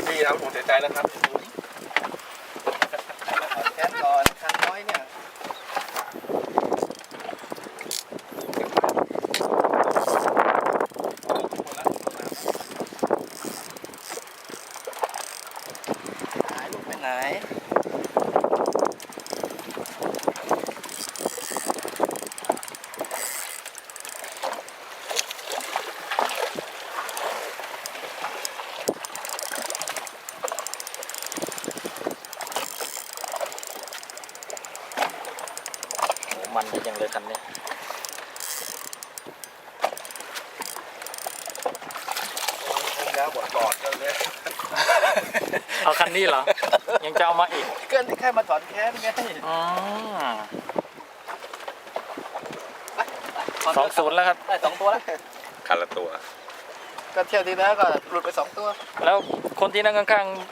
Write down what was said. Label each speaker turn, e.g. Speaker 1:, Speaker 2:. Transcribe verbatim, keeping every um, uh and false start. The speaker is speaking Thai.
Speaker 1: พี่ครับผมเสียใจแล้วครับ
Speaker 2: แค่ก่อนคันน้อยเนี่ยหายลูกไปไหน
Speaker 3: มันดีจังเลยคันนี้
Speaker 1: แล้วบอดบอดกันเลย
Speaker 3: เอาคันนี้เหรอ ยังจะเอามาอีก
Speaker 2: เกินที่แค่มาถอนแค้นไง
Speaker 3: อ๋อสองศูนย์แล้วครับ
Speaker 2: ได้สองตัวแล้ว
Speaker 1: คันละตัว
Speaker 2: ก็เที่ยวที่แล้วก็หลุดไปสองตัว
Speaker 3: แล้วคนที่นั่งข้างๆ